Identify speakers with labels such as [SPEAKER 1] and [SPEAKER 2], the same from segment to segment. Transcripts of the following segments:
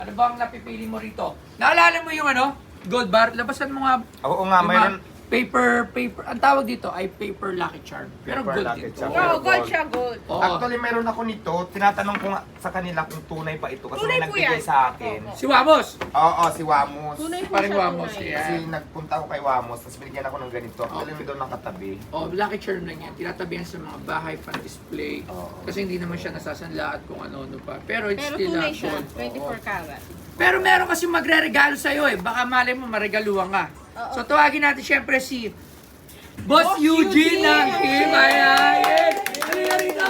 [SPEAKER 1] Ano ba ang napipili mo rito? Naalala mo yung ano? Gold bar? Labasan mo nga.
[SPEAKER 2] Oo nga,
[SPEAKER 1] yung
[SPEAKER 2] mayroon.
[SPEAKER 1] mga paper. Ang tawag dito ay paper Lucky Charm. Pero
[SPEAKER 2] Paper
[SPEAKER 1] gold
[SPEAKER 2] Lucky
[SPEAKER 1] dito.
[SPEAKER 2] Charm.
[SPEAKER 3] Oo, gold siya, gold.
[SPEAKER 1] Oo.
[SPEAKER 2] Actually, meron ako nito. Tinatanong ko nga sa kanila kung tunay pa ito. Kasi
[SPEAKER 3] Tunay
[SPEAKER 2] may
[SPEAKER 3] po
[SPEAKER 2] nagbigay
[SPEAKER 3] yan.
[SPEAKER 2] sa akin.
[SPEAKER 1] Si Wamos.
[SPEAKER 2] Oo, si Wamos.
[SPEAKER 3] Tunay po
[SPEAKER 1] Parang
[SPEAKER 3] siya,
[SPEAKER 1] Wamos.
[SPEAKER 3] tunay.
[SPEAKER 1] Yan.
[SPEAKER 2] Kasi nagpunta ako kay Wamos, tapos binigyan ako ng ganito. Actually, may doon nakatabi.
[SPEAKER 1] Oh, Lucky Charm lang yan. Tinatabihan sa mga bahay pan-display.
[SPEAKER 2] Oo.
[SPEAKER 1] Kasi hindi naman siya nasasanla at kung ano-ano pa. Pero it's
[SPEAKER 3] Pero
[SPEAKER 1] still
[SPEAKER 3] tunay
[SPEAKER 1] a
[SPEAKER 3] siya,
[SPEAKER 1] gold.
[SPEAKER 3] 24 karat.
[SPEAKER 1] Pero meron kasi magre-regalo sa'yo eh. Baka malay mo, maregaluhan ka.
[SPEAKER 3] Oo.
[SPEAKER 1] So tawagin natin syempre si Boss Eugene ng Himayayan. Halika rito!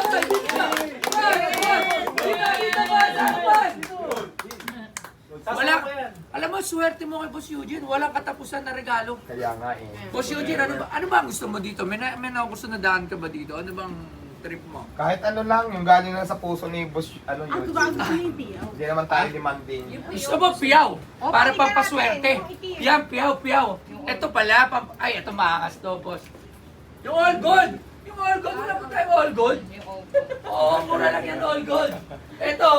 [SPEAKER 1] Wala, alam mo, swerte mo kay Boss Eugene. Walang katapusan na regalo.
[SPEAKER 2] Kaya nga eh.
[SPEAKER 1] Boss Eugene, ano ba ang gusto mo dito? May gusto na daan ka ba dito? Ano bang trip mo?
[SPEAKER 2] Kahit ano lang, yung galing lang sa puso ni Boss, ano yun.
[SPEAKER 3] Ang bago sa hindi.
[SPEAKER 2] Hindi naman tayo demanding.
[SPEAKER 1] Gusto mo piyaw? Para
[SPEAKER 3] pakita
[SPEAKER 1] pampaswerte.
[SPEAKER 3] natin, yung itim.
[SPEAKER 1] Yan, piyaw. Ito pala, ay, ito maangas to, boss. Yung all gold! Yung all gold, wala po tayo all gold? Oo, mura lang yan all gold. Ito,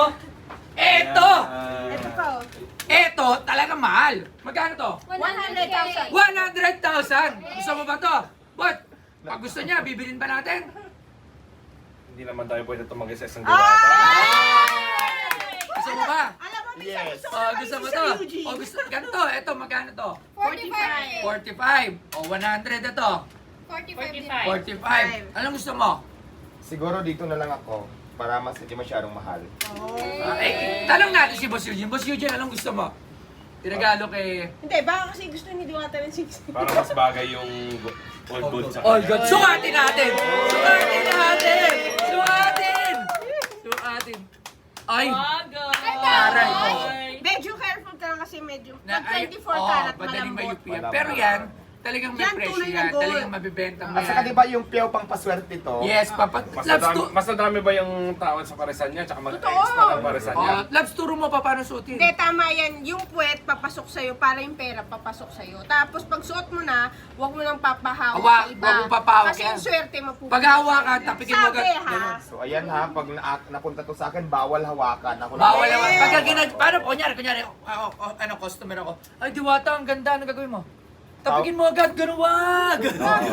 [SPEAKER 3] Ito pa, oh.
[SPEAKER 1] ito, talaga mahal. Magkano to?
[SPEAKER 3] 100,000.
[SPEAKER 1] 100,000! Gusto mo ba to? But, pag gusto niya, bibilin ba natin?
[SPEAKER 4] Hindi naman tayo pwede tumagay sa isang
[SPEAKER 3] Ah!
[SPEAKER 4] diwata.
[SPEAKER 1] Gusto mo ba?
[SPEAKER 3] Alam mo, may
[SPEAKER 2] Yes.
[SPEAKER 3] gusto ko
[SPEAKER 1] Oh,
[SPEAKER 3] na
[SPEAKER 1] gusto mo
[SPEAKER 3] sa
[SPEAKER 1] to?
[SPEAKER 3] Eugene.
[SPEAKER 1] Oh, gusto, ganito, ito, magkano to?
[SPEAKER 3] 45.
[SPEAKER 1] 45. O, 100 ito.
[SPEAKER 5] 45.
[SPEAKER 1] 45. Anong gusto mo?
[SPEAKER 2] Siguro dito na lang ako para mas hindi masyadong mahal.
[SPEAKER 1] Tanong natin si Boss Eugene. Boss Eugene, anong gusto mo? Tinagalo kay
[SPEAKER 3] Hindi, baka kasi gusto ni Diwata ng 60.
[SPEAKER 4] Para mas bagay yung old gold sa
[SPEAKER 1] All
[SPEAKER 4] kanya.
[SPEAKER 1] God. Sukatin natin! Sukatin natin! Sukatin! Sukatin! Ay! Aray ko.
[SPEAKER 3] Medyo careful ka lang kasi medyo.
[SPEAKER 1] Na-
[SPEAKER 3] Pag
[SPEAKER 1] ay,
[SPEAKER 3] 24
[SPEAKER 1] oo,
[SPEAKER 3] karat,
[SPEAKER 1] madaling
[SPEAKER 3] malambot.
[SPEAKER 1] mayupi yan. Pero yan, talagang may
[SPEAKER 3] Yan,
[SPEAKER 1] presyo
[SPEAKER 3] tunay na
[SPEAKER 1] yan.
[SPEAKER 3] gold.
[SPEAKER 1] Talagang mabibenta mo
[SPEAKER 2] At saka
[SPEAKER 1] yan.
[SPEAKER 2] di ba yung piyaw pang paswerte to?
[SPEAKER 1] Yes, papa.
[SPEAKER 4] Mas
[SPEAKER 1] Labs,
[SPEAKER 4] nadami, mas nadami ba yung tawad sa paresan niya? Tsaka mag-extra ng paresan niya?
[SPEAKER 1] Labs, turo mo pa paano suotin.
[SPEAKER 3] Hindi, tama yan. Yung puwet, papasok sa'yo para yung pera papasok sa'yo. Tapos pag suot mo na, huwag mo nang papahawak
[SPEAKER 1] Hawa-
[SPEAKER 3] sa iba.
[SPEAKER 1] huwag mo papahawak
[SPEAKER 3] Kasi
[SPEAKER 1] yan.
[SPEAKER 3] yung swerte mapupunta.
[SPEAKER 1] Pag hawakan, tapikin mo agad.
[SPEAKER 3] Sabi ha.
[SPEAKER 1] Ganun.
[SPEAKER 2] So ayan ha, pag napunta to sa akin, bawal hawakan. Ako na.
[SPEAKER 1] Bawal naman. Pagka paano, kunyari, ano, customer ako. Ay, Diwata, ang ganda. Ano gagawin mo? Tapikin mo agad, ganun, wag!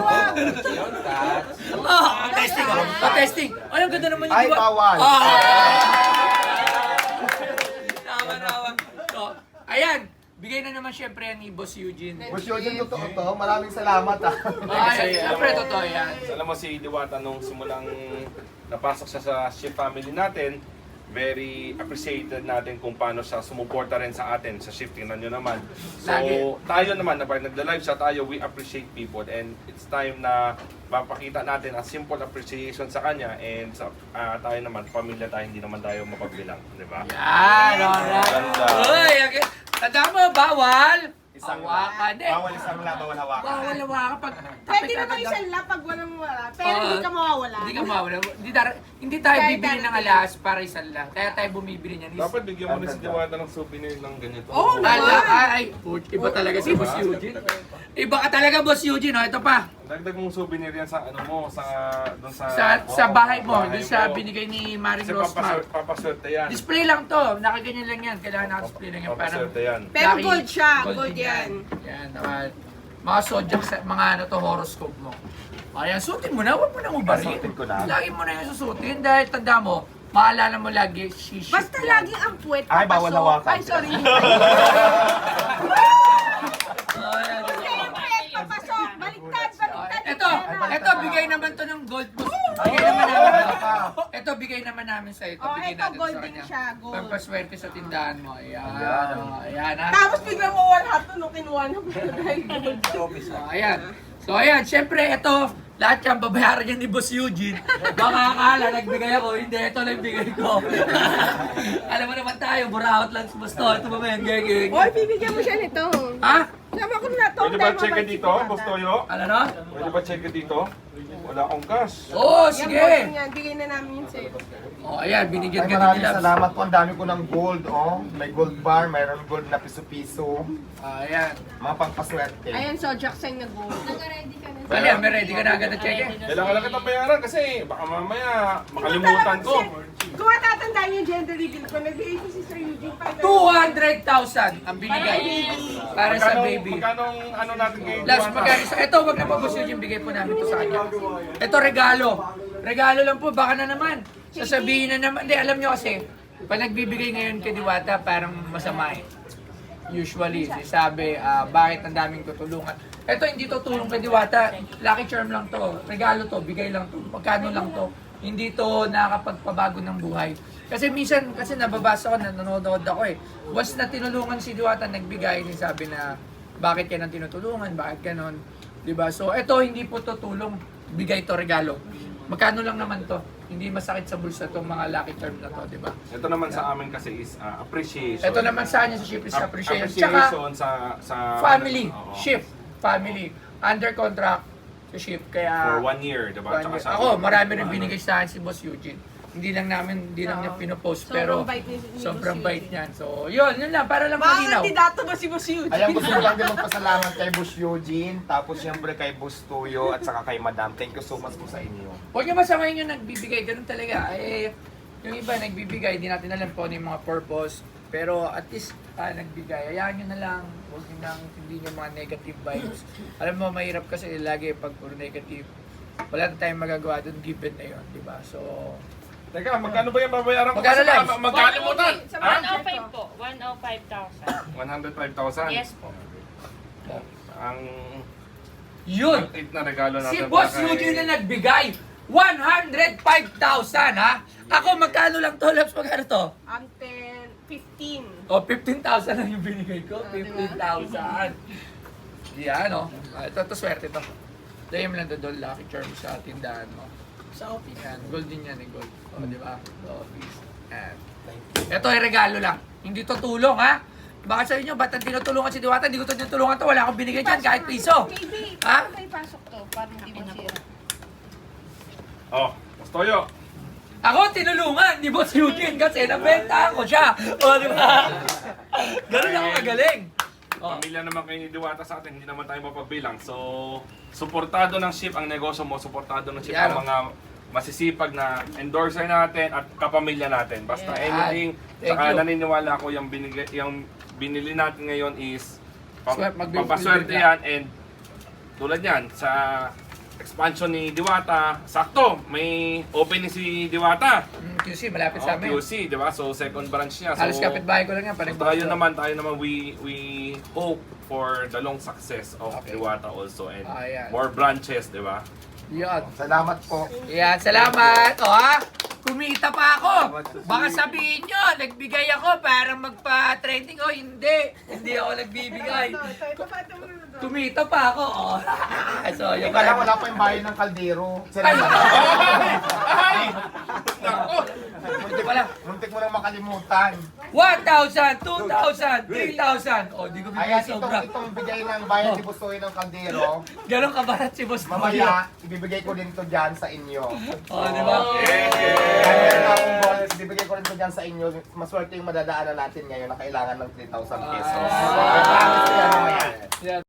[SPEAKER 1] Testing, testing. Ay, ang ganda naman yung
[SPEAKER 2] Ay,
[SPEAKER 1] Diwata.
[SPEAKER 2] bawal.
[SPEAKER 1] Tama. So, ayan. Bigay na naman syempre yan ni Boss Eugene.
[SPEAKER 2] Boss Eugene, totoo to. Maraming salamat ha.
[SPEAKER 1] Ay, syempre, totoo yan.
[SPEAKER 4] Alam mo si Diwata nung simulang napasok siya sa shift family natin, very appreciated natin kung paano siya sumuporta rin sa atin sa shift. Tingnan nyo naman. So,
[SPEAKER 1] Lagi.
[SPEAKER 4] tayo naman, na pag nagla-live siya tayo, we appreciate people and it's time na mapakita natin a simple appreciation sa kanya and sa tayo naman, pamilya tayo, hindi naman tayo mapagbilang, di ba?
[SPEAKER 1] Yan, alright.
[SPEAKER 4] Ganda.
[SPEAKER 1] Uy, okay. Tanda mo, bawal.
[SPEAKER 2] Isang
[SPEAKER 1] Hawakan eh.
[SPEAKER 2] Bawal isang lang, bawal hawakan.
[SPEAKER 1] Bawal hawakan pag
[SPEAKER 3] Pwede
[SPEAKER 1] tapik
[SPEAKER 3] naman
[SPEAKER 1] agad.
[SPEAKER 3] isang lap pag walang wala. Pero hindi ka mawawala.
[SPEAKER 1] Hindi ka mawala. Hindi tayo
[SPEAKER 3] Kahit
[SPEAKER 1] bibili ng
[SPEAKER 3] darating.
[SPEAKER 1] alas para isang lang. Kaya tayo bumibili niyan.
[SPEAKER 4] Dapat bigyan mo rin si Diwata ng souvenir ng ganito.
[SPEAKER 3] Oo,
[SPEAKER 1] Ay, iba talaga si Boss Eugene. Iba ka talaga, Boss Eugene. Oh, ito pa.
[SPEAKER 4] Dagdag mong souvenir yan sa ano mo, doon
[SPEAKER 1] Sa bahay mo,
[SPEAKER 4] bahay
[SPEAKER 1] dun sa
[SPEAKER 4] mo.
[SPEAKER 1] binigay ni Maring
[SPEAKER 4] Kasi
[SPEAKER 1] Rosmar.
[SPEAKER 4] papaswerte yan.
[SPEAKER 1] Display lang to. Nakaganyan lang yan. Kailangan naka-display lang yan. Parang
[SPEAKER 4] Papaswerte yan.
[SPEAKER 3] Pero
[SPEAKER 1] Lucky.
[SPEAKER 3] gold siya, gold
[SPEAKER 1] din
[SPEAKER 3] yan.
[SPEAKER 1] Yan, mga zodiac, mga ano to, horoscope mo. Ayan, suotin mo na. Huwag mo na ubarin.
[SPEAKER 2] Suotin ko na.
[SPEAKER 1] Lagi mo na yung susutin dahil tanda mo, maalala mo lagi, shiship
[SPEAKER 3] Basta
[SPEAKER 1] yan.
[SPEAKER 3] lagi ang puwet
[SPEAKER 2] Ay, bawal
[SPEAKER 3] papasok.
[SPEAKER 2] hawakan.
[SPEAKER 3] Ay, sorry.
[SPEAKER 1] Ayan.
[SPEAKER 3] Hindi ang puwet papasok. Baliktad.
[SPEAKER 1] Ito, bigay naman to ng gold boss. Bigay naman namin. Ito, bigay naman namin sa ito.
[SPEAKER 3] Oh,
[SPEAKER 1] Bigay
[SPEAKER 3] ito,
[SPEAKER 1] natin
[SPEAKER 3] gold
[SPEAKER 1] sa
[SPEAKER 3] din
[SPEAKER 1] kanya.
[SPEAKER 3] siya, gold.
[SPEAKER 1] Pampaswerte sa tindahan mo. Ayan.
[SPEAKER 2] Ayan.
[SPEAKER 1] Ayan, ha.
[SPEAKER 3] Tapos biglang mawala ito nung kinuha ng dahil gold.
[SPEAKER 1] So, ayan. So, ayan. Siyempre, ito, lahat yan, babayaran yan ni Boss Eugene. Baka akala, nagbigay ako. Hindi, ito lang bigay ko. Alam mo naman tayo, buraot lang si Boss to. Ito ba yan, gagawin?
[SPEAKER 3] Oy, bibigyan mo siya nito.
[SPEAKER 1] Ha?
[SPEAKER 3] Sama ko na to.
[SPEAKER 4] Pwede ba check it dito, Boss Toyo?
[SPEAKER 1] Ano no?
[SPEAKER 4] Pwede ba check it dito? Wala akong cash.
[SPEAKER 1] Oo,
[SPEAKER 3] Yan,
[SPEAKER 1] sige.
[SPEAKER 3] gold yan. Bigay na namin yun sa'yo.
[SPEAKER 1] O, ayan, binigyan
[SPEAKER 2] Ay,
[SPEAKER 1] ka din
[SPEAKER 2] maraming
[SPEAKER 1] nila.
[SPEAKER 2] salamat po. Ang dami ko ng gold, oh. May gold bar, mayroon gold na piso-piso.
[SPEAKER 1] Ayan.
[SPEAKER 2] Mga pangpaswerte.
[SPEAKER 3] Ayan, so Jackson na gold.
[SPEAKER 1] Bali, may ready ka na agad na check eh.
[SPEAKER 4] Kailangan lang kitang bayaran kasi baka mamaya makalimutan ko.
[SPEAKER 3] Kung matatandaan yung gender reveal ko, nagbigay ko si Sir Eugene
[SPEAKER 1] 200,000 ang binigay para sa baby.
[SPEAKER 4] Magkano ano natin ngayon?
[SPEAKER 1] Last magkano sa ito, wag na po Boss Eugene, bigay po namin to sa kanya. Ito regalo. Regalo lang po, baka na naman. Sasabihin na naman, hindi alam nyo kasi, pag nagbibigay ngayon kay Diwata, parang masama eh. Usually, sabi, bakit ang daming tutulungan. Ito hindi to tulong kay Diwata, lucky charm lang to, regalo to, bigay lang to, pagkano lang to. Hindi to nakakapagpabago ng buhay. Kasi minsan, kasi nababasa ko, nanonood ako eh. Once na tinulungan si Diwata, nagbigay, sabi na, bakit yan ang tinutulungan, bakit ganon. Diba? So, ito hindi po to tulong, bigay to regalo. Magkano lang naman to, hindi masakit sa bulsa itong mga lucky term na to, di ba?
[SPEAKER 4] Ito naman sa amin kasi is appreciation.
[SPEAKER 1] Ito naman sa kanya sa ship is appreciation.
[SPEAKER 4] Appreciation
[SPEAKER 1] Tsaka
[SPEAKER 4] sa
[SPEAKER 1] family,
[SPEAKER 4] oo.
[SPEAKER 1] ship, family, under contract sa ship.
[SPEAKER 4] For
[SPEAKER 1] Kaya
[SPEAKER 4] 1 year, di ba?
[SPEAKER 1] one year.
[SPEAKER 4] Tsaka
[SPEAKER 1] Ako, marami rin binigay sa akin si Boss Eugene. Hindi lang niya pinopost, pero
[SPEAKER 3] Sobrang bait ni
[SPEAKER 1] sobrang
[SPEAKER 3] Boss
[SPEAKER 1] bait
[SPEAKER 3] Eugene.
[SPEAKER 1] niyan. So, yun lang, para lang
[SPEAKER 3] Mga
[SPEAKER 1] malinaw.
[SPEAKER 3] kandidato ba si Boss Eugene?
[SPEAKER 2] Ayan, gusto ko lang din magpasalamat kay Boss Eugene, tapos siyempre kay Boss Tuyo, at saka kay Madam. Thank you so much po sa inyo.
[SPEAKER 1] Huwag niyo masamahin yung nagbibigay, ganun talaga. Eh, yung iba nagbibigay, di natin alam po ano yung mga purpose. Pero at least nagbigay, hayaan nyo na lang. Huwag nyo nang hindi nyo mga negative vibes. Alam mo, mahirap kasi lagi pag puro negative. Wala na tayong magagawa doon, given na yun, di ba? So,
[SPEAKER 4] Teka, magkano ba yung babayaran ko?
[SPEAKER 1] Magkano
[SPEAKER 4] Kasi
[SPEAKER 1] lang?
[SPEAKER 4] magkalimutan.
[SPEAKER 3] Sa
[SPEAKER 4] Ha?
[SPEAKER 5] 105 po. 105,000.
[SPEAKER 4] 105,000.
[SPEAKER 5] Yes po.
[SPEAKER 4] Ang
[SPEAKER 1] yun!
[SPEAKER 4] ang na regalo natin.
[SPEAKER 1] Si Boss
[SPEAKER 4] para kay-
[SPEAKER 1] Eugene na nagbigay, 105,000 ha? Ako, magkano lang to, Labs? Magkano to?
[SPEAKER 3] 15.
[SPEAKER 1] O, 15,000 lang yung binigay ko. 15,000. Yan, o. Ito, swerte to. Dahil mo lang doon, lucky charm sa tindahan mo. Sa office. Yan, gold din yan, gold. O, di ba? Sa office. Yan. Ito ay regalo lang. Hindi to tulong, ha? Baka sabihin nyo, ba't ang tinutulungan si Diwata? Hindi ko to tinutulungan to. Wala akong binigay dyan, kahit piso.
[SPEAKER 3] Maybe,
[SPEAKER 1] Ha?
[SPEAKER 3] paano tayo pasok to? Para hindi masira.
[SPEAKER 4] Oh, Boss Toyo.
[SPEAKER 1] Ako tinulungan ni Boss Eugene kasi nabenta ko siya. O, di ba? Ganun ako kagaling. Oh.
[SPEAKER 4] Pamilya naman kayo ni Diwata sa atin, hindi naman tayo mapagbilang. So, suportado ng ship ang negosyo mo, suportado ng ship
[SPEAKER 1] Yan,
[SPEAKER 4] ang mga masisipag na endorser natin at kapamilya natin. Basta
[SPEAKER 1] Yan.
[SPEAKER 4] anything,
[SPEAKER 1] Thank
[SPEAKER 4] saka
[SPEAKER 1] you.
[SPEAKER 4] naniniwala ako yung binili natin ngayon is
[SPEAKER 1] Magbibigay
[SPEAKER 4] pampaswerte yan and tulad yan sa expansion ni Diwata, sakto, may opening si Diwata.
[SPEAKER 1] QC, malapit sa amin.
[SPEAKER 4] QC, di ba? So, second branch niya. So,
[SPEAKER 1] Halos kapitbahay ko lang yan.
[SPEAKER 4] So, tayo naman, we hope for the long success of
[SPEAKER 1] Okay.
[SPEAKER 4] Diwata also and
[SPEAKER 1] Ayan.
[SPEAKER 4] more branches, di ba?
[SPEAKER 1] Yan.
[SPEAKER 2] Salamat po.
[SPEAKER 1] Yan, salamat. O ha, kumita pa ako. Baka sabihin nyo, nagbigay ako para magpa-trending. O hindi, hindi ako nagbibigay.
[SPEAKER 3] Ito pa, ito muna doon.
[SPEAKER 1] Kumita pa ako. O. So, yun
[SPEAKER 2] Ika lang, wala pa yung bayan ng kaldero.
[SPEAKER 1] Ay!
[SPEAKER 4] Ay! Nako!
[SPEAKER 2] Muntik,
[SPEAKER 1] Wala.
[SPEAKER 2] muntik mo nang makalimutan.
[SPEAKER 1] 1,000, 2,000, 3,000. O, di ko bibigay
[SPEAKER 2] Ayan,
[SPEAKER 1] sobra.
[SPEAKER 2] itong bigay ng bayan ni Busoy ng kaldero.
[SPEAKER 1] Ganon kabarat si Boss Toyo.
[SPEAKER 2] Mamaya, ibibigay ko din to dyan sa inyo.
[SPEAKER 1] O, di ba?
[SPEAKER 2] Kaya meron akong bonus, ibibigay ko rin to dyan sa inyo. Maswerte yung madadaanan natin ngayon na kailangan ng 3,000 pesos. Promise ko yan mamaya.
[SPEAKER 1] Yan.